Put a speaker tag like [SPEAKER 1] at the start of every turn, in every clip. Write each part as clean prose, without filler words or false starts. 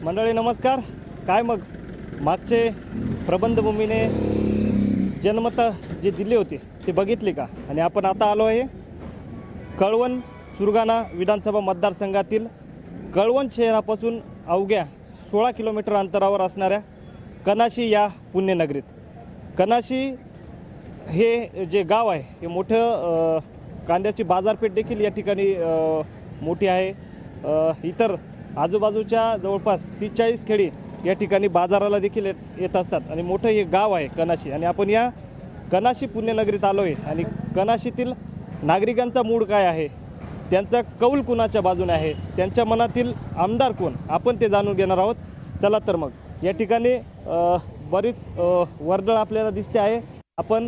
[SPEAKER 1] मंडळी नमस्कार. काय मग मागचे प्रबंधभूमीने जनमतं जे दिली होती ते बघितली का? आणि आपण आता आलो आहे कळवण सुरगाणा विधानसभा मतदारसंघातील कळवण शहरापासून अवघ्या 16 किलोमीटर अंतरावर असणाऱ्या कनाशी या पुण्यनगरीत. कनाशी हे जे गाव आहे हे मोठं कांद्याची बाजारपेठ देखील या ठिकाणी मोठी आहे. इतर आजूबाजूच्या जवळपास 30-40 खेडी या ठिकाणी बाजाराला देखील येत असतात आणि मोठं हे गाव आहे कनाशी. आणि आपण या कनाशी पुण्यनगरीत आलो आहे आणि कनाशीतील नागरिकांचा मूड काय आहे, त्यांचा कौल कुणाच्या बाजूने आहे, त्यांच्या मनातील आमदार कोण, आपण ते जाणून घेणार आहोत. चला तर मग या ठिकाणी बरीच वर्दळ आपल्याला दिसते आहे. आपण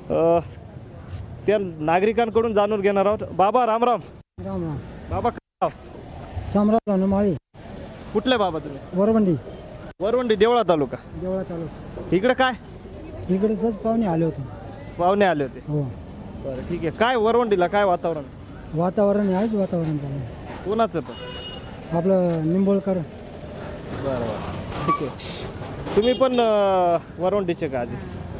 [SPEAKER 1] त्या नागरिकांकडून जाणून घेणार आहोत. बाबा राम राम.
[SPEAKER 2] राम राम.
[SPEAKER 1] बाबा काय नाव?
[SPEAKER 2] शामराव माळी.
[SPEAKER 1] कुठले बाबा तुम्ही?
[SPEAKER 2] वरवंडी.
[SPEAKER 1] वरवंडी देवळा तालुका.
[SPEAKER 2] देवळा तालुका.
[SPEAKER 1] इकडे काय
[SPEAKER 2] इकडे सहज पाहुणे आले होते.
[SPEAKER 1] पाहुणे आले होते?
[SPEAKER 2] हो.
[SPEAKER 1] बरं ठीक आहे. काय वरवंडीला काय वातावरण?
[SPEAKER 2] वातावरण आहेच वातावरण चांगलं.
[SPEAKER 1] कोणाचं पण?
[SPEAKER 2] आपलं निंबोळकर.
[SPEAKER 1] बरं बरं ठीक आहे. तुम्ही पण वरवंडीचे का? आधी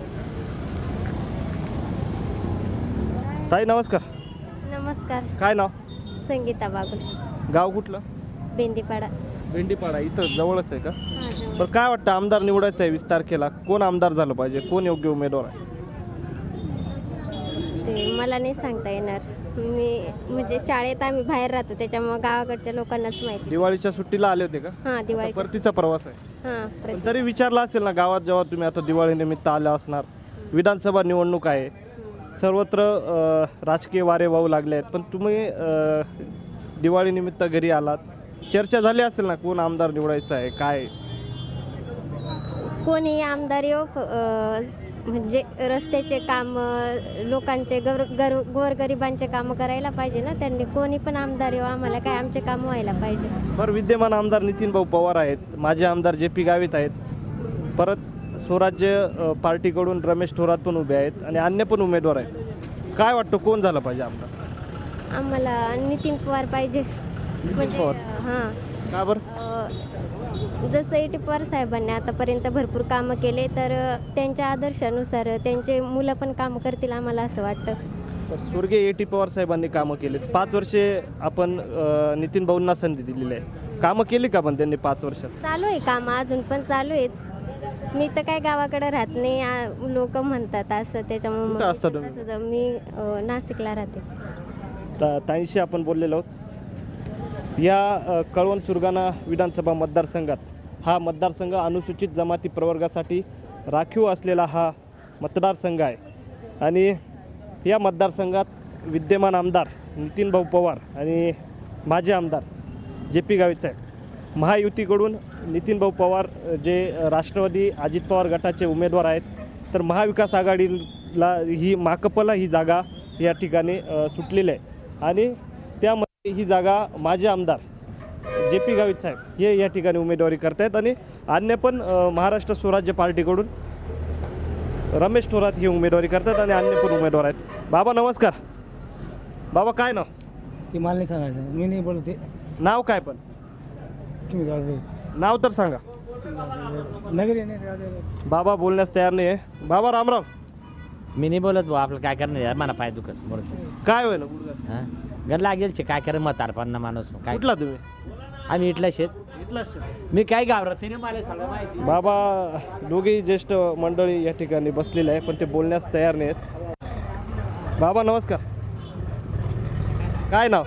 [SPEAKER 1] ताई नमस्कार.
[SPEAKER 3] नमस्कार.
[SPEAKER 1] काय नाव?
[SPEAKER 3] संगीता बागुल.
[SPEAKER 1] गाव कुठलं?
[SPEAKER 3] बेंदीपाडा.
[SPEAKER 1] भेंडीपाडा. इथं जवळच आहे का?
[SPEAKER 3] हा, जवळ.
[SPEAKER 1] बरं काय वाटतं, आमदार निवडायचं आहे 20 तारखेला, कोण आमदार झालं पाहिजे, कोण योग्य उमेदवार आहे?
[SPEAKER 3] ते मला नाही सांगता येणार. मी म्हणजे शाळेत आम्ही बाहेर राहतो त्याच्यामुळे गावाकडच्या लोकांनाच माहिती.
[SPEAKER 1] दिवाळीच्या सुट्टीला आले होते का?
[SPEAKER 3] हां, दिवाळी.
[SPEAKER 1] परतीचा प्रवास आहे.
[SPEAKER 3] हां,
[SPEAKER 1] पण तरी विचारला असेल ना गावात, जेव्हा तुम्ही आता दिवाळी निमित्त आला असणार, विधानसभा निवडणूक आहे, सर्वत्र राजकीय वारे वाहू लागले आहेत, पण तुम्ही दिवाळी निमित्त घरी आलात, चर्चा झाली असेल ना कोण आमदार निवडायचं आहे काय?
[SPEAKER 3] कोणी आमदार येऊ म्हणजे रस्त्याचे काम, लोकांचे गोरगरिबांचे कामं करायला पाहिजे ना त्यांनी. कोणी पण आमदार येऊ, आम्हाला काय आमचे काम व्हायला पाहिजे.
[SPEAKER 1] बरं, विद्यमान आमदार नितीन भाऊ पवार आहेत, माजी आमदार JP गावित आहेत, परत स्वराज्य पार्टीकडून रमेश थोरात पण उभे आहेत आणि अन्य पण उमेदवार आहेत. काय वाटतं कोण झालं पाहिजे आमदार?
[SPEAKER 3] आम्हाला नितीन पवार पाहिजे. म्हणजे
[SPEAKER 1] पवार?
[SPEAKER 3] हां.
[SPEAKER 1] का बरं?
[SPEAKER 3] जसं AT पवार साहेबांनी आतापर्यंत भरपूर कामं केले, तर त्यांच्या आदर्शानुसार त्यांचे मुलं पण कामं करतील आम्हाला असं वाटतं.
[SPEAKER 1] तर स्वर्गीय AT पवार साहेबांनी कामं केलीत. 5 वर्षे आपण नितीन भाऊंना संधी दिलेली आहे. कामं केली का पण त्यांनी 5 वर्षात?
[SPEAKER 3] चालू आहे कामं, अजून पण चालू आहेत. मी तर काय गावाकडे राहत नाही, लोक म्हणतात असं, त्याच्यामुळे
[SPEAKER 1] कुठं असता तुम्ही?
[SPEAKER 3] तसं मी नाशिकला राहते.
[SPEAKER 1] ताईंशी आपण बोललेलो आहोत. या कळवण सुरगाणा विधानसभा मतदारसंघात हा मतदारसंघ अनुसूचित जमाती प्रवर्गासाठी राखीव असलेला हा मतदारसंघ आहे आणि या मतदारसंघात विद्यमान आमदार नितीन भाऊ पवार आणि माजी आमदार JP गावित साहेब. महायुतीकडून नितीन भाऊ पवार जे राष्ट्रवादी अजित पवार गटाचे उमेदवार आहेत, तर महाविकास आघाडीला ही माकपला ही जागा या ठिकाणी सुटलेली आहे आणि त्यामध्ये ही जागा माजी आमदार JP गावित साहेब हे या ठिकाणी उमेदवारी करतायत आणि अन्य पण महाराष्ट्र स्वराज्य पार्टीकडून रमेश थोरात ही उमेदवारी करतात आणि अन्य पण उमेदवार आहेत. बाबा नमस्कार. बाबा काय नाव?
[SPEAKER 2] ती मला नाही सांगायचं, मी नाही बोलते.
[SPEAKER 1] नाव काय पण?
[SPEAKER 2] तुम्ही जाऊ
[SPEAKER 1] नाव तर सांगा.
[SPEAKER 2] नगरी नाही.
[SPEAKER 1] बाबा बोलण्यास तयार नाही आहे. बाबा राम राम.
[SPEAKER 4] मी नाही बोलत भाऊ, आपलं काय करणार यार, मला पाय दुखत बोलत.
[SPEAKER 1] काय होईल गुडघा?
[SPEAKER 4] हां, घर लागेल शे, काय करे म्हातारपणा माणूस काय.
[SPEAKER 1] कुठला तुम्ही?
[SPEAKER 4] आम्ही इथला शेत.
[SPEAKER 1] इथलाच.
[SPEAKER 4] मी काय घाबरत नाही, मला सगळं माहिती.
[SPEAKER 1] बाबा दोघेही ज्येष्ठ मंडळी या ठिकाणी बसलेले आहे, पण ते बोलण्यास तयार नाही आहेत. बाबा नमस्कार. काय नाव?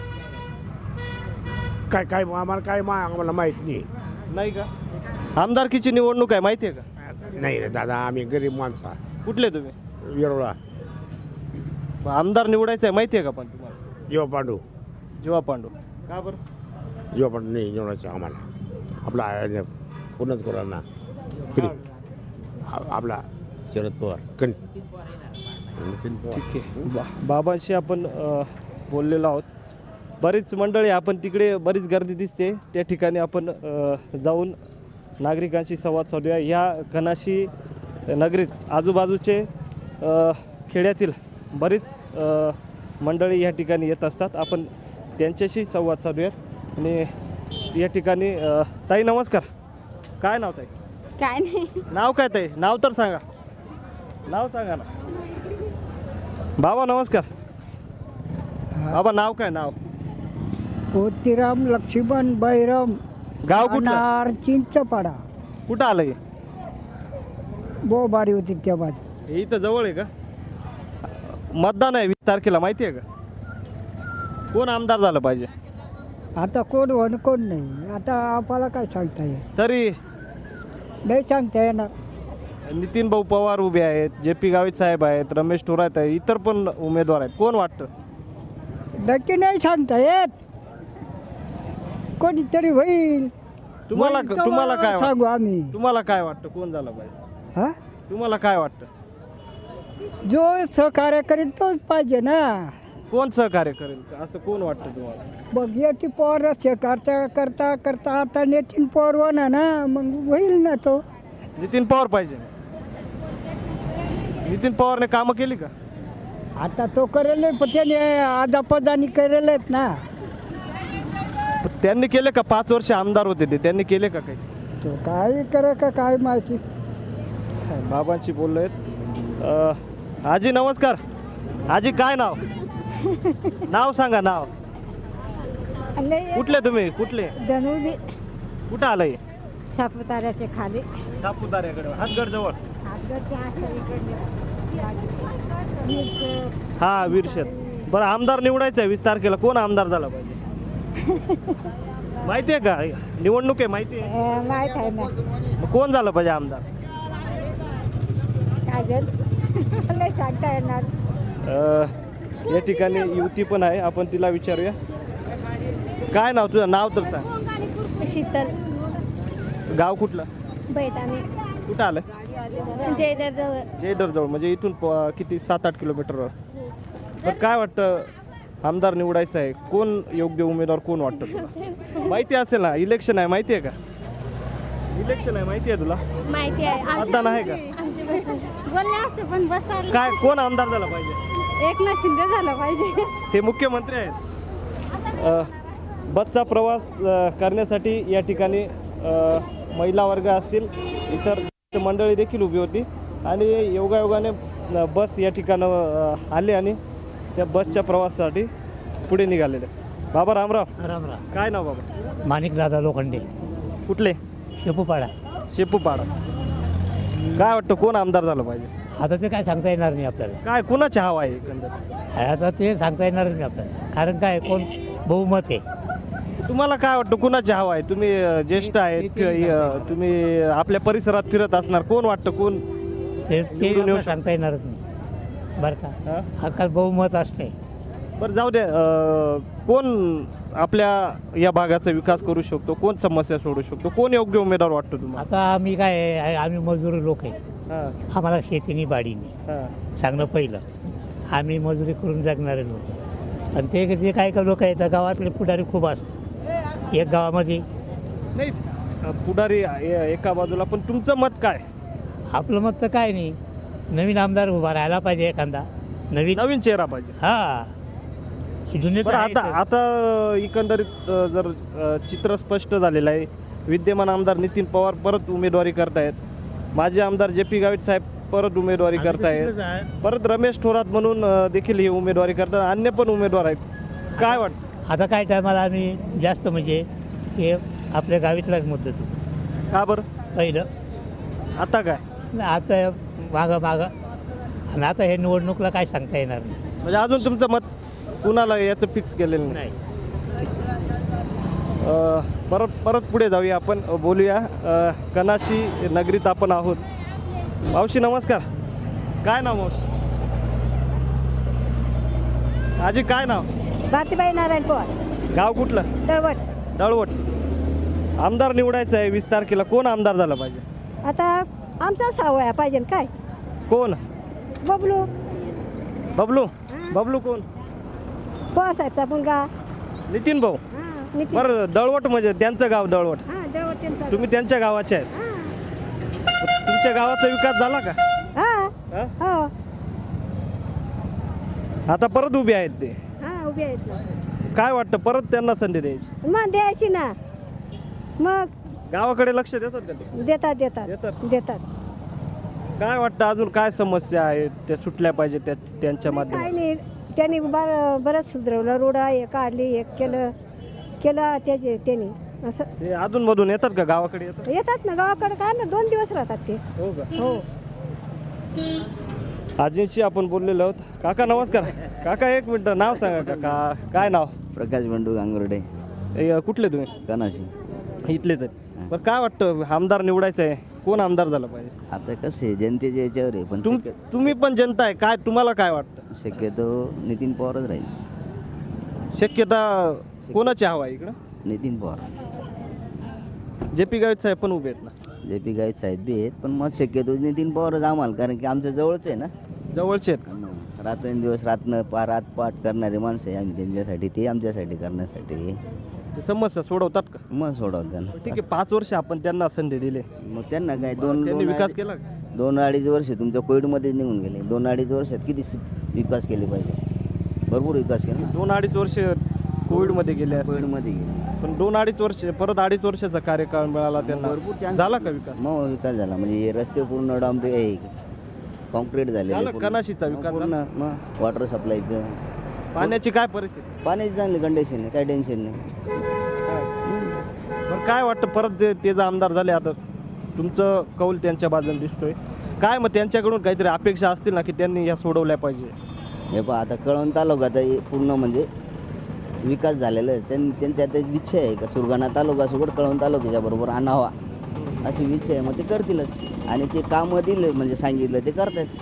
[SPEAKER 5] काय काय आम्हाला आम्हाला माहीत नाही.
[SPEAKER 1] नाही का? आमदारकीची निवडणूक आहे, माहिती आहे का?
[SPEAKER 5] नाही रे दादा, आम्ही गरीब माणसं आहे.
[SPEAKER 1] कुठले तुम्ही?
[SPEAKER 5] येरोळा.
[SPEAKER 1] आमदार निवडायचं आहे, माहिती आहे का पण तुम्हाला?
[SPEAKER 5] जीवा पांडू.
[SPEAKER 1] जीवा पांडू. का बरं?
[SPEAKER 5] जीवा पांडू नाही निवडायचं आम्हाला. आपला पूर्णच करा ना. आपला
[SPEAKER 4] शरद पवार.
[SPEAKER 5] नितीन पवार.
[SPEAKER 1] ठीक आहे. बाबांशी आपण बोललेलो आहोत. बरीच मंडळी, आपण तिकडे बरीच गर्दी दिसते, त्या ठिकाणी आपण जाऊन नागरिकांशी संवाद साधूया. या कनाशी नगरीत आजूबाजूचे खेड्यातील बरीच मंडळी या ठिकाणी येत असतात. आपण त्यांच्याशी संवाद साधूयात. आणि या ठिकाणी ताई नमस्कार. काय नाव ताई?
[SPEAKER 3] काय नाही.
[SPEAKER 1] नाव काय ताई? नाव तर सांगा. नाव सांगा ना. बाबा नमस्कार. बाबा नाव काय? नाव
[SPEAKER 2] मोतीराम लक्ष्मण बैरम
[SPEAKER 1] गाव कुठलं?
[SPEAKER 2] चिंचपाडा
[SPEAKER 1] कुठं आलं हे?
[SPEAKER 2] बोबारी होती त्या बाजू.
[SPEAKER 1] हे इथं जवळ आहे का? मतदान आहे 20 तारखेला, माहिती आहे का? कोण आमदार झालं पाहिजे?
[SPEAKER 2] आता कोण वन कोण नाही. आता आपल्याला काय सांगता येईल?
[SPEAKER 1] तरी
[SPEAKER 2] नाही सांगता येणार.
[SPEAKER 1] नितीन भाऊ पवार उभे आहेत, जे.पी. गावित साहेब आहेत, रमेश थोरात आहे, इतर पण उमेदवार आहेत. कोण वाटतं?
[SPEAKER 2] नक्की नाही सांगता येत. कोणीतरी होईल.
[SPEAKER 1] तुम्हाला
[SPEAKER 2] होईल तेव्हा
[SPEAKER 1] तुम्हाला काय
[SPEAKER 2] सांगू
[SPEAKER 1] वाटतं?
[SPEAKER 2] आम्ही.
[SPEAKER 1] तुम्हाला काय वाटतं कोण झालं पाहिजे?
[SPEAKER 2] हा
[SPEAKER 1] तुम्हाला काय वाटतं?
[SPEAKER 2] जो सहकार्य करेल तोच पाहिजे ना.
[SPEAKER 1] कोण सहकार्य करेल असं कोण वाटतं तुम्हाला?
[SPEAKER 2] बघ याची पॉवर करता करता करता आता नितीन पॉवर होणार ना, मग होईल ना तो.
[SPEAKER 1] नितीन पवार पाहिजे. नितीन पवारने कामं केली का?
[SPEAKER 2] आता तो करेल पण त्याने आदापदानी करेल आहेत ना.
[SPEAKER 1] त्यांनी केले का? 5 वर्ष आमदार होते ते, त्यांनी केले का काही?
[SPEAKER 2] तो काय करा का काय माहिती.
[SPEAKER 1] बाबांशी बोललोय. आजी नमस्कार. आजी काय नाव? नाव सांगा. नाव कुठले तुम्ही? कुठले?
[SPEAKER 3] धनुली
[SPEAKER 1] कुठं आलंय?
[SPEAKER 3] सापुताऱ्याचे खाली.
[SPEAKER 1] सापुताऱ्याकडे हातगड जवळ. हा विरशेत. बरं आमदार निवडायचं आहे 20 तारखेला. कोण आमदार झाला पाहिजे? माहिती आहे का? निवडणूक आहे माहिती आहे?
[SPEAKER 3] माहीत आहे ना.
[SPEAKER 1] मग कोण झालं पाहिजे आमदार?
[SPEAKER 3] काय सांगता येणार.
[SPEAKER 1] या ठिकाणी युवती पण आहे, आपण तिला विचारूया. काय नाव तुझं? नाव तर सांग.
[SPEAKER 3] शीतल
[SPEAKER 1] गाव कुठलं?
[SPEAKER 3] बैताने
[SPEAKER 1] कुठं आलं?
[SPEAKER 3] जयदेव
[SPEAKER 1] जवळ. म्हणजे इथून किती 7-8 किलोमीटरवर. तर काय वाटतं आमदार निवडायचं आहे, कोण योग्य उमेदवार कोण वाटतं तुला? माहिती असेल ना, इलेक्शन आहे माहिती आहे का? इलेक्शन आहे माहिती आहे तुला?
[SPEAKER 3] माहिती आहे.
[SPEAKER 1] मतदान आहे का?
[SPEAKER 3] बोलले असते पण बसायला
[SPEAKER 1] काय कोण आमदार झाला पाहिजे?
[SPEAKER 3] एकनाथ शिंदे झालं पाहिजे.
[SPEAKER 1] ते मुख्यमंत्री आहेत. बसचा प्रवास करण्यासाठी या ठिकाणी महिला वर्ग असतील, इतर मंडळी देखील उभी होती आणि योगायोगाने बस या ठिकाणं आले आणि त्या बसच्या प्रवासासाठी पुढे निघालेले. बाबा रामराव.
[SPEAKER 4] राम राम.
[SPEAKER 1] काय नाव बाबा?
[SPEAKER 4] माणिक दादा लोखंडे,
[SPEAKER 1] कुठले?
[SPEAKER 4] शेपूपाडा.
[SPEAKER 1] शेपूपाडा. काय वाटतं कोण आमदार झालं पाहिजे?
[SPEAKER 4] आता ते काय सांगता येणार नाही आपल्याला.
[SPEAKER 1] काय कुणाची हवा आहे एकंदर?
[SPEAKER 4] आता ते सांगता येणार नाही आपल्याला, कारण काय कोण बहुमत आहे.
[SPEAKER 1] तुम्हाला काय वाटतं कुणाची हवा आहे? तुम्ही ज्येष्ठ आहेत, तुम्ही आपल्या परिसरात फिरत असणार, कोण वाटतं कोण
[SPEAKER 4] ते
[SPEAKER 1] निवडून येऊ
[SPEAKER 4] आपल्याला सांगता येणारच नाही बरं का.
[SPEAKER 1] हा?
[SPEAKER 4] आजकाल बहुमत असते.
[SPEAKER 1] बरं जाऊ द्या. कोण आपल्या या भागाचा विकास करू शकतो, कोण समस्या सोडू शकतो, कोण योग्य उमेदवार वाटतो तुम्हाला?
[SPEAKER 4] आता आम्ही काय आहे, आम्ही मजूर लोक आहे.
[SPEAKER 1] हां
[SPEAKER 4] आम्हाला शेतीनी बाडीनी
[SPEAKER 1] हां
[SPEAKER 4] चांगलं पहिलं. आम्ही मजुरी करून जगणारे लोक. आणि ते काय का लोक आहेत गावातले पुढारी खूप असतात. एक गावामध्ये
[SPEAKER 1] नाही पुढारी एका बाजूला, पण तुमचं मत काय?
[SPEAKER 4] आपलं मत तर काय नाही, नवीन आमदार उभा राहायला पाहिजे एखादा नवीन.
[SPEAKER 1] चेहरा पाहिजे.
[SPEAKER 4] हा जुने तर
[SPEAKER 1] बरं आता
[SPEAKER 4] आहेतच.
[SPEAKER 1] आता एकंदरीत जर चित्र स्पष्ट झालेलं आहे, विद्यमान आमदार नितीन पवार परत उमेदवारी करतायत, माजी आमदार जे.पी. गावित साहेब परत उमेदवारी
[SPEAKER 4] आम्ही तर
[SPEAKER 1] करतायत,
[SPEAKER 4] तिकडेच आहे.
[SPEAKER 1] परत रमेश थोरात म्हणून देखील ही उमेदवारी करतात, अन्य पण उमेदवार आहेत. काय वाटतं?
[SPEAKER 4] आता काय टायमाला आम्ही जास्त म्हणजे हे आपल्या गावीतलाच मुद्दत होतो
[SPEAKER 1] का बरं?
[SPEAKER 4] पहिलं.
[SPEAKER 1] आता काय?
[SPEAKER 4] आता मागं आणि आता हे निवडणुकीला काय सांगता येणार नाही.
[SPEAKER 1] म्हणजे अजून तुमचं मत कुणाला याचं फिक्स केलेलं नाही? परत पुढे जाऊया, आपण बोलूया. कनाशी नगरीत आपण आहोत. मावशी नमस्कार. काय नाव मावशी? आजी काय नाव?
[SPEAKER 3] बातीबाई नारायण पवार.
[SPEAKER 1] गाव कुठलं?
[SPEAKER 3] तळवट.
[SPEAKER 1] दळवट. आमदार निवडायचं आहे 20 तारखेला. कोण आमदार झाला पाहिजे?
[SPEAKER 3] आता आमचा सावया पाहिजे काय?
[SPEAKER 1] कोण?
[SPEAKER 3] बबलू
[SPEAKER 1] बबलू. बबलू कोण?
[SPEAKER 3] पवासाहेबचा मुलगा.
[SPEAKER 1] नितीन भाऊ. बरं दळवट म्हणजे त्यांचं गाव दळवट. तुम्ही त्यांच्या गावाचे आहेत. तुमच्या गावाचा विकास झाला का? हा? आता परत उभे आहेत ते.
[SPEAKER 3] उभे आहेत.
[SPEAKER 1] काय वाटतं परत त्यांना संधी द्यायची?
[SPEAKER 3] मग द्यायची ना. मग
[SPEAKER 1] गावाकडे लक्ष देतात का ते?
[SPEAKER 2] देतात देतात
[SPEAKER 1] देतात.
[SPEAKER 2] देतात.
[SPEAKER 1] काय वाटतं अजून काय समस्या आहेत त्या सुटल्या पाहिजे त्यांच्या
[SPEAKER 2] काय
[SPEAKER 1] माध्यमातून?
[SPEAKER 2] नाही त्यांनी बरंच सुधरवलं, रोड हे काढली, हे केलं त्यांनी असं.
[SPEAKER 1] ते अधूनमधून येतात का गावाकडे येतात?
[SPEAKER 2] येतात ना गावाकडे, काय ना 2 दिवस राहतात ते.
[SPEAKER 1] हो का?
[SPEAKER 2] हो.
[SPEAKER 1] आजींशी आपण बोललेलो आहोत. काका नमस्कार. काका एक मिनिट, नाव सांगा काका. काय नाव?
[SPEAKER 6] प्रकाश बंडू गांगुर्डे,
[SPEAKER 1] कुठले तुम्ही?
[SPEAKER 6] कनाशी.
[SPEAKER 1] इथलेच आहेत. बरं काय वाटतं आमदार निवडायचं आहे, कोण आमदार झाला पाहिजे?
[SPEAKER 6] आता कसे जनतेच्या याच्यावर आहे, पण
[SPEAKER 1] तुम्ही पण जनता आहे, काय तुम्हाला काय वाटतं?
[SPEAKER 6] शक्यतो नितीन पवारच राहील.
[SPEAKER 1] शक्यता कोणाची हवा आहे इकडं?
[SPEAKER 6] नितीन पवार.
[SPEAKER 1] जे पी गावित साहेब पण उभे आहेत ना?
[SPEAKER 6] जे पी गावित साहेब बी आहेत, पण मग शक्यतो नितीन पवारच आम्हाला, कारण की आमच्या जवळच आहे ना.
[SPEAKER 1] जवळचे आहेत का?
[SPEAKER 6] रात्रंदिवस रातपाट करणारे माणसं आहे आम्ही त्यांच्यासाठी, ते आमच्यासाठी करण्यासाठी.
[SPEAKER 1] ते समस्या सोडवतात का?
[SPEAKER 6] मग सोडवलं त्यांना.
[SPEAKER 1] ठीक आहे, 5 वर्ष आपण त्यांना संधी दिली,
[SPEAKER 6] मग त्यांना काय
[SPEAKER 1] त्यांनी विकास केला का?
[SPEAKER 6] 2-2.5 वर्ष तुमच्या कोविडमध्ये निघून गेले. 2-2.5 वर्षात किती विकास केले पाहिजे? भरपूर विकास केला.
[SPEAKER 1] 2-2.5 वर्ष कोविडमध्ये गेले असते.
[SPEAKER 6] कोविडमध्ये गेले,
[SPEAKER 1] पण 2-2.5 वर्ष परत 2.5 वर्षाचा कार्यकाळ मिळाला त्यांना.
[SPEAKER 6] भरपूर chance
[SPEAKER 1] झाला का विकास?
[SPEAKER 6] मग विकास झाला, म्हणजे हे रस्ते पूर्ण डांबरी आहे, कॉन्क्रीट झालेले
[SPEAKER 1] झालं,
[SPEAKER 6] पूर्ण.
[SPEAKER 1] कनाशीचा विकास
[SPEAKER 6] पूर्ण. मग वॉटर सप्लायचं,
[SPEAKER 1] पाण्याची काय परिस्थिती?
[SPEAKER 6] पाण्याची चांगली कंडिशन आहे, काय टेन्शन नाही.
[SPEAKER 1] पण काय वाटतं परत ते जर आमदार झाले, आता तुमचं कौल त्यांच्या बाजूने दिसतोय, काय मग त्यांच्याकडून काहीतरी अपेक्षा असतील ना की त्यांनी या सोडवल्या पाहिजे?
[SPEAKER 6] हे पहा, आता कळवण तालुका आता पूर्ण म्हणजे विकास झालेला आहे. त्यांची आता इच्छा आहे का सुरगाणा तालुकासोबत कळवण तालुक्याच्या बरोबर आणावा, अशी इच्छा आहे. मग ते करतीलच, आणि ते कामं दिले म्हणजे सांगितलं ते करतात.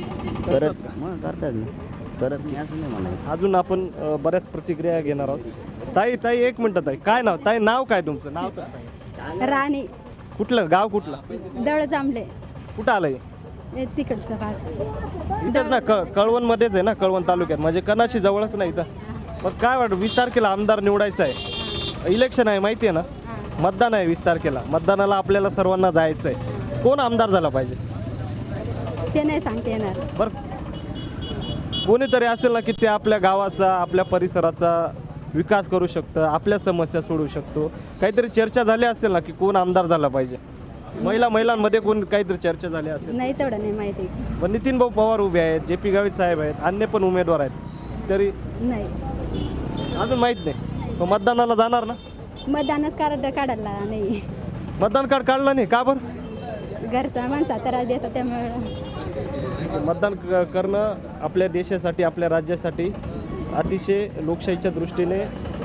[SPEAKER 6] मग करतात ना, करत नाही असं नाही म्हणा.
[SPEAKER 1] अजून आपण बऱ्याच प्रतिक्रिया घेणार आहोत. ताई एक मिनिट ताई, काय नाव? ताई नाव काय तुमचं? नाव तर सांगा.
[SPEAKER 2] राणी
[SPEAKER 1] कुठलं गाव? कुठलं?
[SPEAKER 2] दळ जांभले
[SPEAKER 1] कुठं आलंय?
[SPEAKER 2] तिकडचं भाग.
[SPEAKER 1] इथंच ना, कळवणमध्येच आहे ना, कळवण तालुक्यात, म्हणजे कनाशी जवळच नाही इथं. पण काय वाटतं 20 तारखेला आमदार निवडायचं आहे, इलेक्शन आहे माहिती आहे ना, मतदान आहे 20 तारखेला. मतदानाला आपल्याला सर्वांना जायचं आहे. कोण आमदार झाला पाहिजे?
[SPEAKER 2] ते नाही सांगता येणार.
[SPEAKER 1] बरं, कोणीतरी असेल ना की ते आपल्या गावाचा, आपल्या परिसराचा विकास करू शकतं, आपल्या समस्या सोडवू शकतो. काहीतरी चर्चा झाली असेल ना की कोण आमदार झाला पाहिजे? महिलांमध्ये कोण काहीतरी चर्चा झाली असेल?
[SPEAKER 2] नाही, तेवढं नाही माहिती.
[SPEAKER 1] पण नितीन भाऊ पवार उभे आहेत, जे पी गावित साहेब आहेत, अन्य पण उमेदवार आहेत, तरी
[SPEAKER 2] नाही,
[SPEAKER 1] अजून माहीत नाही. मग मतदानाला जाणार ना?
[SPEAKER 2] मतदानच कार्ड काढायला नाही.
[SPEAKER 1] मतदान कार्ड काढलं नाही का? बरं,
[SPEAKER 2] घरचा माणसा त्रास देतात त्यामुळे.
[SPEAKER 1] मतदान करणं आपल्या देशासाठी, आपल्या राज्यासाठी अतिशय लोकशाहीच्या दृष्टीने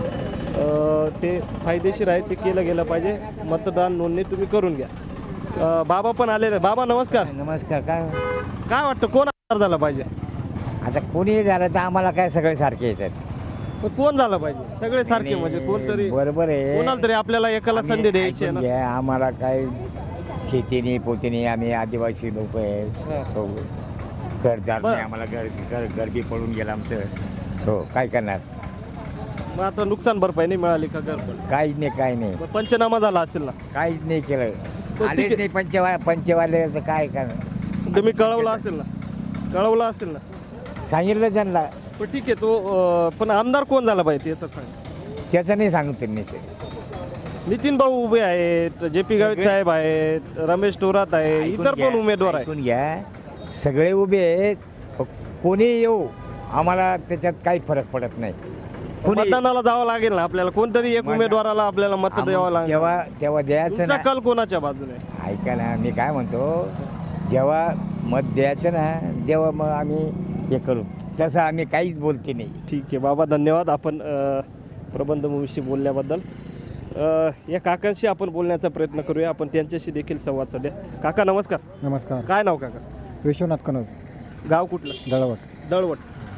[SPEAKER 1] ते फायदेशीर आहे, ते केलं गेलं पाहिजे. मतदान नोंदणी तुम्ही करून घ्या. बाबा पण आलेले. बाबा नमस्कार.
[SPEAKER 4] नमस्कार.
[SPEAKER 1] काय वाटतं कोण आमदार झाला पाहिजे?
[SPEAKER 4] आता कोणी झालं तर आम्हाला काय सगळे सारखे येतात.
[SPEAKER 1] पण कोण झालं पाहिजे? सगळे सारखे म्हणजे कोणतरी,
[SPEAKER 4] बरोबर आहे.
[SPEAKER 1] कोणाला तरी आपल्याला एकाला संधी द्यायची आहे ना.
[SPEAKER 4] घ्या, आम्हाला काय शेतीने पोतीने आम्ही आदिवासी लोक आहेत. हो, घरदार नाही आम्हाला, घर बी पडून गेलं आमचं. हो, काय करणार?
[SPEAKER 1] मग आता नुकसान भरपाई नाही मिळाली का? घर पण
[SPEAKER 4] काहीच नाही, काही नाही,
[SPEAKER 1] मग पंचनामा झाला असेल ना?
[SPEAKER 4] काहीच नाही केलं.
[SPEAKER 1] ठीक
[SPEAKER 4] आलेच
[SPEAKER 1] आहे.
[SPEAKER 4] नाही पंचवाले तर काय करणार?
[SPEAKER 1] तुम्ही कळवलं असेल ना? कळवलं असेल ना?
[SPEAKER 4] सांगितलं त्यांना,
[SPEAKER 1] पण ठीक आहे. तो पण आमदार कोण झाला पाहिजे याचं सांग.
[SPEAKER 4] त्याचं नाही सांगू त्यांनी. ते
[SPEAKER 1] नितीन भाऊ उभे आहेत, जे पी गावित साहेब आहेत, रमेश थोरात आहे, इतर पण उमेदवार आहेत.
[SPEAKER 4] ऐकून घ्या, सगळे उभे आहेत. कोणी येऊ, आम्हाला त्याच्यात काही फरक पडत नाही.
[SPEAKER 1] मतदानाला जावं लागेल ना आपल्याला, कोणतरी एक उमेदवाराला आपल्याला मत द्यावं लागेल.
[SPEAKER 4] तेव्हा द्यायचं
[SPEAKER 1] तुमचा
[SPEAKER 4] ना.
[SPEAKER 1] कल कोणाच्या बाजूने?
[SPEAKER 4] ऐका ना, मी काय म्हणतो, जेव्हा मत द्यायचं ना, तेव्हा मग आम्ही हे करू. तसं आम्ही काहीच बोलते नाही.
[SPEAKER 1] ठीक आहे बाबा, धन्यवाद आपण प्रबंधभूमीशी बोलल्याबद्दल. या काकांशी आपण बोलण्याचा प्रयत्न करूया. आपण त्यांच्याशी देखील संवाद साधूया. काका नमस्कार.
[SPEAKER 7] नमस्कार.
[SPEAKER 1] काय नाव काका?
[SPEAKER 7] विश्वनाथ कनोज,
[SPEAKER 1] गाव कुठलं?
[SPEAKER 7] दळवट.
[SPEAKER 1] दळवट.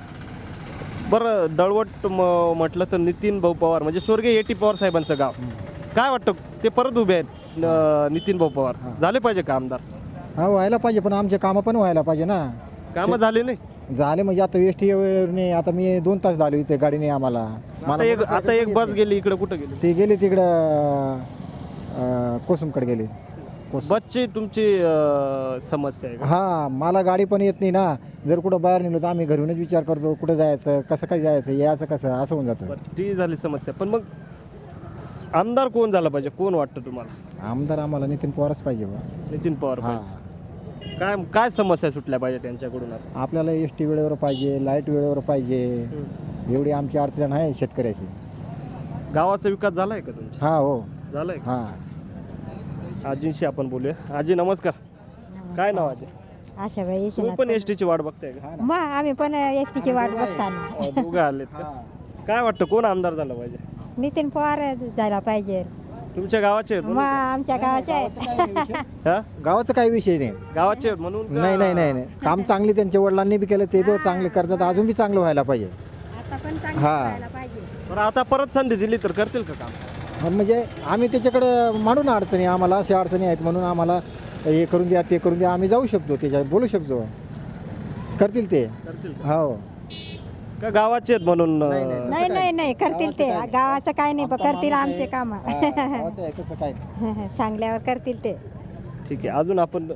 [SPEAKER 1] बरं, दळवट म्हटलं तर नितीन भाऊ पवार म्हणजे स्वर्गीय ए.टी. पवार साहेबांचं गाव. काय वाटतं ते परत उभे आहेत, नितीन भाऊ पवार झाले पाहिजे का आमदार?
[SPEAKER 7] हा, व्हायला पाहिजे, पण आमचे कामं पण व्हायला पाहिजे ना.
[SPEAKER 1] कामं झाले नाही?
[SPEAKER 7] झाले म्हणजे आता एस टी नाही, आता मी 2 तास झालो इथे गाडीने आम्हाला.
[SPEAKER 1] आता एक बस गेली इकडे, कुठं गेली?
[SPEAKER 7] ती गेली तिकडं कोसमकडे गेली.
[SPEAKER 1] बसची तुमची समस्या आहे का?
[SPEAKER 7] हा, मला गाडी पण येत नाही ना. जर कुठं बाहेर निघलो तर आम्ही घरूनच विचार करतो कुठं जायचं, कसं काय जायचं, यायचं कसं, असं होऊन जातं.
[SPEAKER 1] बरं, ती झाली समस्या. पण मग आमदार कोण झाला पाहिजे, कोण वाटतं तुम्हाला?
[SPEAKER 7] आमदार आम्हाला नितीन पवारच पाहिजे बा.
[SPEAKER 1] नितीन पवार
[SPEAKER 7] हा
[SPEAKER 1] पाहिजे. काय काय समस्या सुटल्या पाहिजे त्यांच्याकडून आता?
[SPEAKER 7] आपल्याला एस टी वेळेवर पाहिजे, लाईट वेळेवर पाहिजे. एवढी आमची अडचण आहे शेतकऱ्याची.
[SPEAKER 1] गावाचा विकास झालाय का तुमचा?
[SPEAKER 7] हा हो
[SPEAKER 1] झालाय का?
[SPEAKER 7] हा.
[SPEAKER 1] आजींशी आपण बोलूया. आजी नमस्कार. काय नाव आजी?
[SPEAKER 2] आशाबाई
[SPEAKER 1] तुम्ही पण एस टीची वाट बघताय का?
[SPEAKER 2] मग आम्ही पण एस टीची वाट बघताना
[SPEAKER 1] दोघं आलेत का? काय वाटतं कोण आमदार झाला पाहिजे?
[SPEAKER 2] नितीन पवार झाला पाहिजे.
[SPEAKER 1] तुमच्या गावाचे आहेत
[SPEAKER 2] मग
[SPEAKER 1] म्हणून?
[SPEAKER 2] आमच्या गावाचे आहेत.
[SPEAKER 1] हा?
[SPEAKER 7] गावाचा काही विषय नाही.
[SPEAKER 1] गावाचे आहेत म्हणून का?
[SPEAKER 7] नाही नाही नाही नाही काम चांगले त्यांच्या वडिलांनी बी केलं, ते बी चांगले करतात, अजून बी चांगलं व्हायला पाहिजे.
[SPEAKER 2] आता पण
[SPEAKER 7] हा.
[SPEAKER 2] चांगलं व्हायला पाहिजे.
[SPEAKER 1] बरं आता परत संधी दिली तर करतील का काम?
[SPEAKER 7] म्हणजे आम्ही त्याच्याकडं मांडून अडचणी, आम्हाला अशा अडचणी आहेत म्हणून आम्हाला हे करून द्या ते करून द्या, आम्ही जाऊ शकतो त्याच्यात बोलू शकतो, करतील ते.
[SPEAKER 1] करतील का?
[SPEAKER 7] हो
[SPEAKER 1] का गावाचे आहेत म्हणून
[SPEAKER 2] नाही नाही नाही करतील ते. गावाचं काय नाही पण करतील आमचे काम.
[SPEAKER 7] कसं काय.
[SPEAKER 2] सांगल्यावर करतील ते.
[SPEAKER 1] ठीक आहे. अजून आपण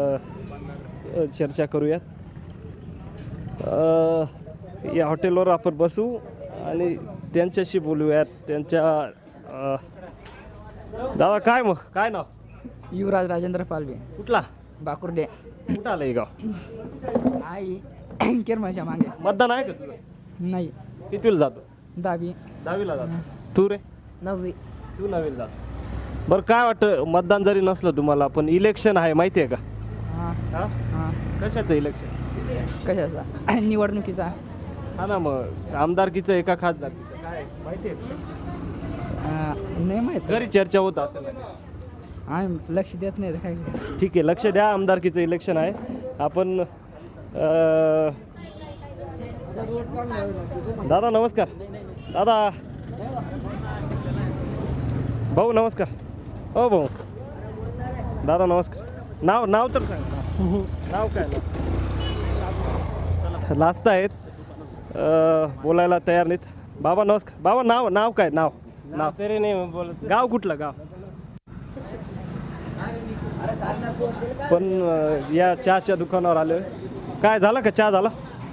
[SPEAKER 1] चर्चा करूयात. या हॉटेलवर आपण बसू आणि त्यांच्याशी बोलूयात. त्यांच्या दादा काय मग काय नाव?
[SPEAKER 8] युवराज राजेंद्र पालवे,
[SPEAKER 1] कुठला?
[SPEAKER 8] बाकुर्डे.
[SPEAKER 1] कुठं आलं हे गाव?
[SPEAKER 8] आई किरमाच्या मागे.
[SPEAKER 1] मतदान आहे का तुझं?
[SPEAKER 8] नाही.
[SPEAKER 1] कितीला जातो?
[SPEAKER 8] 10वी.
[SPEAKER 1] 10वीला जातो. तू रे?
[SPEAKER 8] 9वी.
[SPEAKER 1] तू 9वीला जातो. बरं काय वाटतं, मतदान जरी नसलं तुम्हाला पण इलेक्शन आहे माहिती आहे का?
[SPEAKER 8] हां
[SPEAKER 1] हा?
[SPEAKER 8] हां.
[SPEAKER 1] कशाचं इलेक्शन?
[SPEAKER 8] कशाचा? निवडणुकीचा.
[SPEAKER 1] हा ना, मग आमदारकीचं एका खासदारकीचं काय माहिती आहे का?
[SPEAKER 8] नाही माहीत.
[SPEAKER 1] घरी चर्चा होत असेल ना.
[SPEAKER 8] आम्ही लक्ष देत नाही काय.
[SPEAKER 1] ठीक आहे, लक्ष द्या. आमदारकीचं इलेक्शन आहे. आपण दादा नमस्कार. दादा भाऊ नमस्कार. हो भाऊ. दादा नमस्कार. नाव तर सांग. नाव काय? लाजत आहेत, बोलायला तयार नाहीत. बाबा नमस्कार. बाबा नाव काय? नाव तरी नाही बोलत. गाव कुठलं गाव? पण या चहाच्या दुकानावर आलोय. काय झालं का? चहा झाला?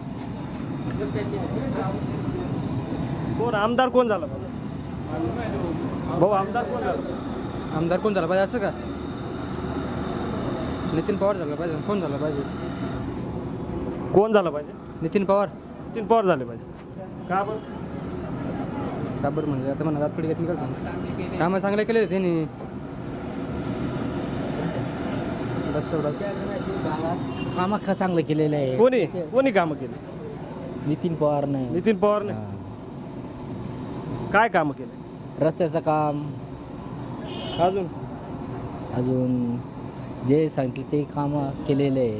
[SPEAKER 1] कोण आमदार कोण झाला भाऊ? आमदार कोण झाला?
[SPEAKER 8] आमदार कोण झाला पाहिजे असं का? नितीन पवार झाला पाहिजे. कोण झाला पाहिजे?
[SPEAKER 1] कोण झालं पाहिजे?
[SPEAKER 8] नितीन पवार.
[SPEAKER 1] नितीन पवार झाले पाहिजे. का बरं?
[SPEAKER 8] का बरं म्हणजे आता म्हणा रातपडी घेत करतो. कामं चांगले केले त्यांनी. बस कामं चांगलं केलेलं आहे.
[SPEAKER 1] कोणी कामं केली?
[SPEAKER 8] नितीन पवारने.
[SPEAKER 1] नितीन पवारने काय कामं केले?
[SPEAKER 8] रस्त्याचं काम, अजून जे सांगितलं ते कामं केलेले आहेत.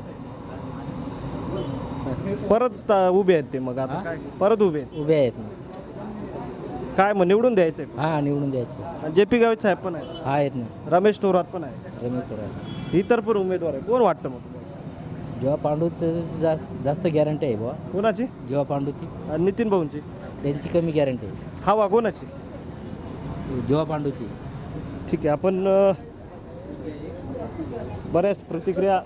[SPEAKER 1] परत उभे आहेत ते. मग आता काय परत उभे आहेत?
[SPEAKER 8] उभे आहेत ना.
[SPEAKER 1] काय मग निवडून द्यायचंय?
[SPEAKER 8] हां निवडून द्यायचे.
[SPEAKER 1] JP गावित साहेब पण आहे,
[SPEAKER 8] आहेत ना.
[SPEAKER 1] रमेश थोरात पण आहे,
[SPEAKER 8] रमेश थोरात.
[SPEAKER 1] इतर पण उमेदवार आहे. कोण वाटतं मग तुम्हाला?
[SPEAKER 8] जेव्हा पांडूचं जास्त गॅरंटी आहे बुवा.
[SPEAKER 1] कोणाची?
[SPEAKER 8] जेव्हा पांडूची.
[SPEAKER 1] आणि नितीन भाऊंची?
[SPEAKER 8] त्यांची कमी गॅरंटी आहे.
[SPEAKER 1] हवा कोणाची?
[SPEAKER 8] जेव्हा पांडूची.
[SPEAKER 1] ठीक आहे. आपण बऱ्याच प्रतिक्रिया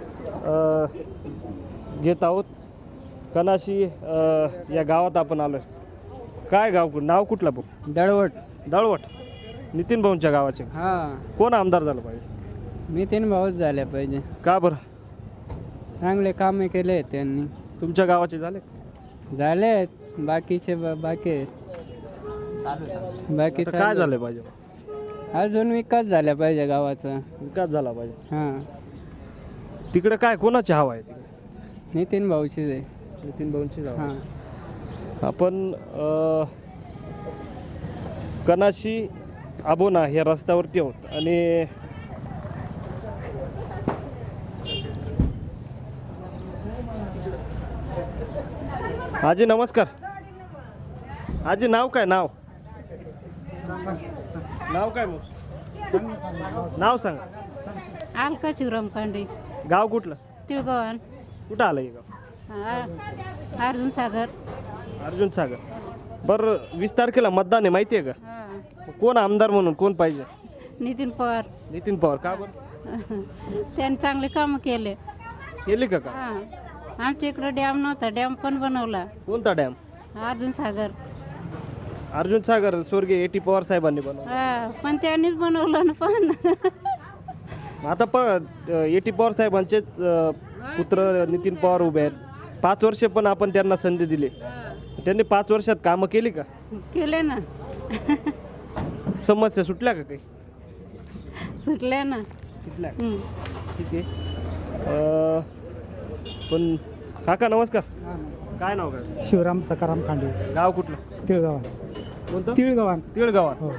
[SPEAKER 1] घेत आहोत. कनाशी या गावात आपण आलो. काय गाव? नाव कुठलं भाऊ? दळवट. नितीन भाऊंच्या गावाचे.
[SPEAKER 8] हां.
[SPEAKER 1] कोण आमदार झालं पाहिजे?
[SPEAKER 8] नितीन भाऊच झाल्या पाहिजे.
[SPEAKER 1] का बरं?
[SPEAKER 8] चांगले कामे केले आहेत त्यांनी.
[SPEAKER 1] तुमच्या गावाचे झाले?
[SPEAKER 8] झाले बाकीचे बाकी
[SPEAKER 1] आता काय झालं पाहिजे?
[SPEAKER 8] अजून विकास झाला पाहिजे गावाचा.
[SPEAKER 1] विकास झाला पाहिजे.
[SPEAKER 8] हां.
[SPEAKER 1] तिकडे काय कोणाची हवा आहे? तिकडे
[SPEAKER 8] नितीन भाऊचीच आहे.
[SPEAKER 1] नितीन भाऊंची हवा.
[SPEAKER 8] हां.
[SPEAKER 1] आपण कनाशी आबोना या रस्त्यावरती आहोत आणि आजी नमस्कार. आजी नाव काय? नाव काय? मग नाव सांगा.
[SPEAKER 9] अलका शिवराम कांडे.
[SPEAKER 1] गाव कुठलं?
[SPEAKER 9] तिळगव्हाण.
[SPEAKER 1] कुठं आलं हे गाव?
[SPEAKER 9] अर्जुन
[SPEAKER 1] सागर. बरं 20 तारखेला मतदान आहे माहिती आहे का? कोण आमदार म्हणून कोण पाहिजे?
[SPEAKER 9] नितीन पवार.
[SPEAKER 1] नितीन पवार. का बरं?
[SPEAKER 9] त्यांनी चांगले काम केले.
[SPEAKER 1] का?
[SPEAKER 9] आमच्या इकडे डॅम नव्हता, डॅम पण बनवला.
[SPEAKER 1] कोणता डॅम?
[SPEAKER 9] अर्जुन सागर.
[SPEAKER 1] अर्जुन सागर स्वर्गीय A.T. पवार साहेबांनी बनवलं.
[SPEAKER 9] हा पण त्यांनीच बनवलं ना पण.
[SPEAKER 1] आता A.T. पवार साहेबांचेच पुत्र नितीन पवार उभे आहेत. 5 वर्ष पण आपण त्यांना संधी दिली. त्यांनी 5 वर्षात कामं केली का?
[SPEAKER 9] केले ना.
[SPEAKER 1] समस्या सुटल्या का काही?
[SPEAKER 9] सुटले ना.
[SPEAKER 1] सुटल्या.
[SPEAKER 9] हं.
[SPEAKER 1] ठीक आहे. पण काका नमस्कार. काय नाव काय?
[SPEAKER 7] शिवराम सकाराम खांडे,
[SPEAKER 1] गाव कुठलं?
[SPEAKER 7] तिळगावान.
[SPEAKER 1] कोणतं?
[SPEAKER 7] तिळगावान.
[SPEAKER 1] तिळगावात.
[SPEAKER 7] हो.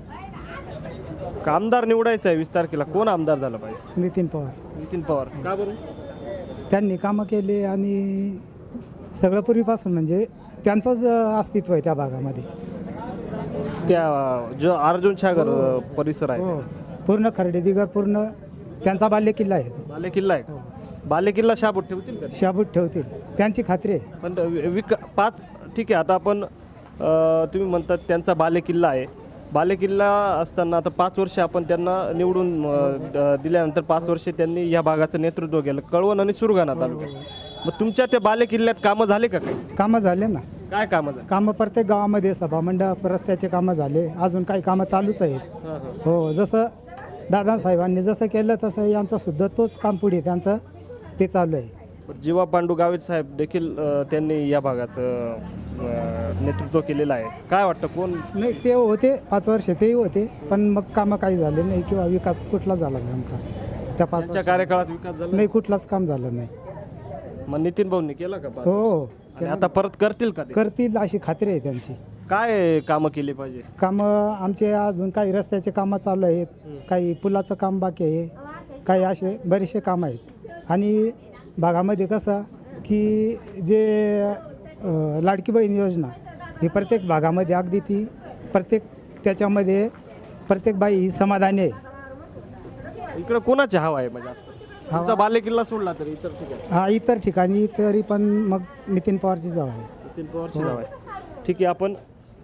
[SPEAKER 1] आमदार निवडायचा आहे 20 तारखेला. कोण आमदार झाला पाहिजे?
[SPEAKER 7] नितीन पवार.
[SPEAKER 1] नितीन पवार. का बरं?
[SPEAKER 7] त्यांनी कामं केले आणि सगळं पूर्वीपासून म्हणजे त्यांचंच अस्तित्व आहे त्या भागामध्ये.
[SPEAKER 1] त्या जो अर्जुन सागर परिसर आहे
[SPEAKER 7] हो. पूर्ण खर्डेदिगर पूर्ण त्यांचा बालेकिल्ला आहे.
[SPEAKER 1] बालेकिल्ला आहे. बालेकिल्ला शाबूत ठेवतील का?
[SPEAKER 7] शाबूत ठेवतील त्यांची खात्री आहे.
[SPEAKER 1] पण 5 ठीक आहे. आता आपण तुम्ही म्हणतात त्यांचा बालेकिल्ला आहे. बालेकिल्ला असताना आता 5 वर्ष आपण त्यांना निवडून दिल्यानंतर 5 वर्षे त्यांनी या भागाचं नेतृत्व केलं, कळवण आणि सुरगाणा तालुक्यात. मग तुमच्या त्या बालेकिल्ल्यात कामं झाले का काही?
[SPEAKER 7] कामं झाले ना.
[SPEAKER 1] काय कामं झाले?
[SPEAKER 7] कामं प्रत्येक गावामध्ये सभामंडप रस्त्याचे कामं झाले. अजून काही कामं चालूच आहेत. हो. जसं दादासाहेबांनी जसं केलं तसं यांचं सुद्धा तोच काम पुढे त्यांचं ते चालू आहे.
[SPEAKER 1] जीवा पांडू गावित साहेब देखील त्यांनी या भागाचं नेतृत्व केलेलं आहे. काय वाटतं कोण?
[SPEAKER 7] नाही ते होते 5 वर्ष तेही होते पण मग कामं काही झाले नाही किंवा विकास कुठला झाला नाही आमचा त्या 5
[SPEAKER 1] त्यांच्या कार्यकाळात विकास झाला
[SPEAKER 7] नाही, कुठलाच काम झालं नाही.
[SPEAKER 1] मग नितीन भाऊंनी केला का?
[SPEAKER 7] हो.
[SPEAKER 1] आणि आता परत करतील का ते?
[SPEAKER 7] करतील अशी खात्री आहे त्यांची.
[SPEAKER 1] काय कामं केली पाहिजे?
[SPEAKER 7] कामं आमचे अजून काही रस्त्याचे कामं चालू आहेत, काही पुलाचं काम बाकी आहे, काही असे बरेचसे कामं आहेत. आणि भागामध्ये कसं की जे लाडकी बहीण योजना ही प्रत्येक भागामध्ये अगदी ती प्रत्येक त्याच्यामध्ये प्रत्येक बाई ही समाधानी आहे.
[SPEAKER 1] इकडे कोणाची हवा आहे म्हणजे असं? तुमचा बालेकिल्ला सोडला तरी इतर ठिकाणी?
[SPEAKER 7] हा इतर ठिकाणी तरी पण मग नितीन पवारची जाव आहे.
[SPEAKER 1] नितीन पवारची नाव आहे. ठीक आहे. आपण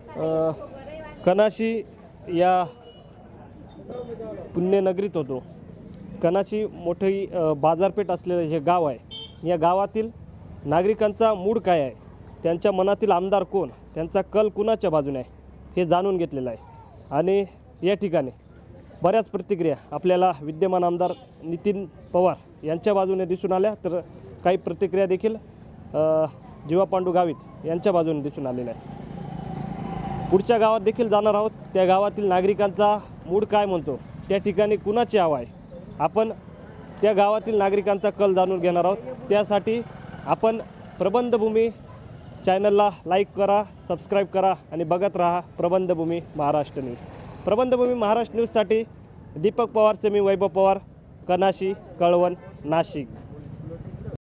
[SPEAKER 1] कनाशी या पुण्यनगरीत होतो. कनाशी मोठी बाजारपेठ असलेलं हे गाव आहे. या गावातील नागरिकांचा मूड काय आहे, त्यांच्या मनातील आमदार कोण, त्यांचा कल कुणाच्या बाजूने आहे हे जाणून घेतलेलं आहे. आणि या ठिकाणी बऱ्याच प्रतिक्रिया आपल्याला विद्यमान आमदार नितीन पवार यांच्या बाजूने दिसून आल्या, तर काही प्रतिक्रिया देखील जीवा पांडू गावित यांच्या बाजूने दिसून आलेल्या आहे. पुढच्या गावात देखील जाणार आहोत. त्या गावातील नागरिकांचा मूड काय म्हणतो, त्या ठिकाणी कुणाची हवा आहे, आपण त्या गावातील नागरिकांचा कल जाणून घेणार आहोत. त्यासाठी आपण प्रबंधभूमी चॅनलला लाईक करा, सबस्क्राईब करा आणि बघत राहा प्रबंधभूमी महाराष्ट्र न्यूज. प्रबंधभूमी महाराष्ट्र न्यूजसाठी दीपक पवारचे मी वैभव पवार, कनाशी, कळवण, नाशिक.